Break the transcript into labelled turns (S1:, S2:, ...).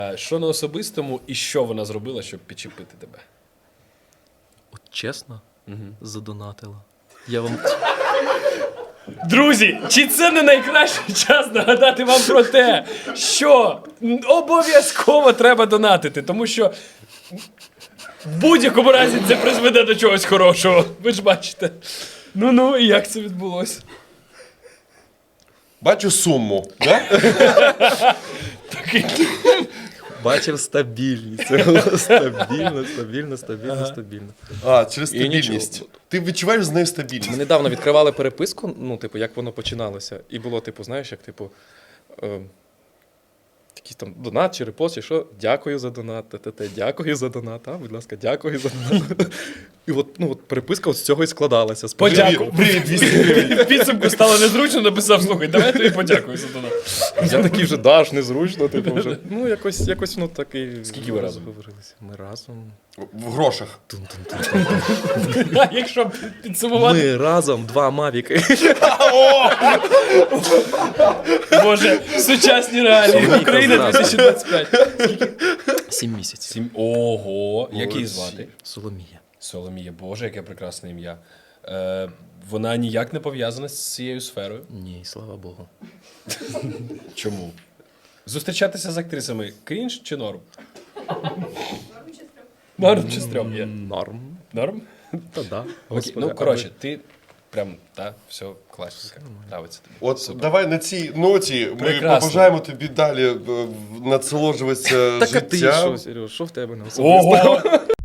S1: Що на особистому і що вона зробила, щоб підчепити тебе?
S2: От чесно, задонатила. Я вам...
S1: Друзі, чи це не найкращий час нагадати вам про те, що обов'язково треба донатити, тому що в будь-якому разі це призведе до чогось хорошого. Ви ж бачите. Ну, і як це відбулося?
S3: Бачу суму, да?
S2: Бачив стабільність. Стабільно.
S3: А, через
S2: І
S3: стабільність.
S2: нічого.
S3: Ти відчуваєш з нею стабільність?
S2: Ми недавно відкривали переписку, ну, типу, як воно починалося. І було, типу, знаєш, як, типу, якийсь там донат чи репост, чи що, дякую за донат, дякую за донат, будь ласка, дякую за донат. І от, ну, от переписка от з цього і складалася.
S1: Подякую.
S3: Привіт, 200 гривень.
S1: В підсумку стало незручно, написав, слухай, давай тобі подякую за донат.
S2: Я такий вже даш, незручно, типу, вже. Ну, якось воно так і...
S1: Скільки ви разом?
S2: Розговорилися. Ми разом.
S3: В грошах.
S1: А якщо підсумувати,
S2: Ми разом 2 мавіки.
S1: Боже, сучасні реалії.
S2: Соломійка
S1: Україна
S2: зразу.
S1: 2025.
S2: 7 місяців.
S1: Ого, як її
S3: Молодці.
S1: звати?
S2: Соломія.
S1: Соломія, Боже, яке прекрасне ім'я. Вона ніяк не пов'язана з цією сферою.
S2: Ні, слава Богу.
S1: Чому? Зустрічатися з актрисами крінж чи норм? Норм чи стрьом є?
S2: Норм.
S1: Норм?
S2: Та да.
S1: Окей,
S2: Господи,
S1: ну, коротше, ти прям, все класненько. Нравиться тобі.
S3: От
S1: Супер.
S3: давай на цій ноті ми
S1: Прекрасно.
S3: побажаємо тобі далі насолоджуватися
S2: Так а ти
S3: життям.
S2: що, Сереж, що в тебе на особисто?
S1: Ого!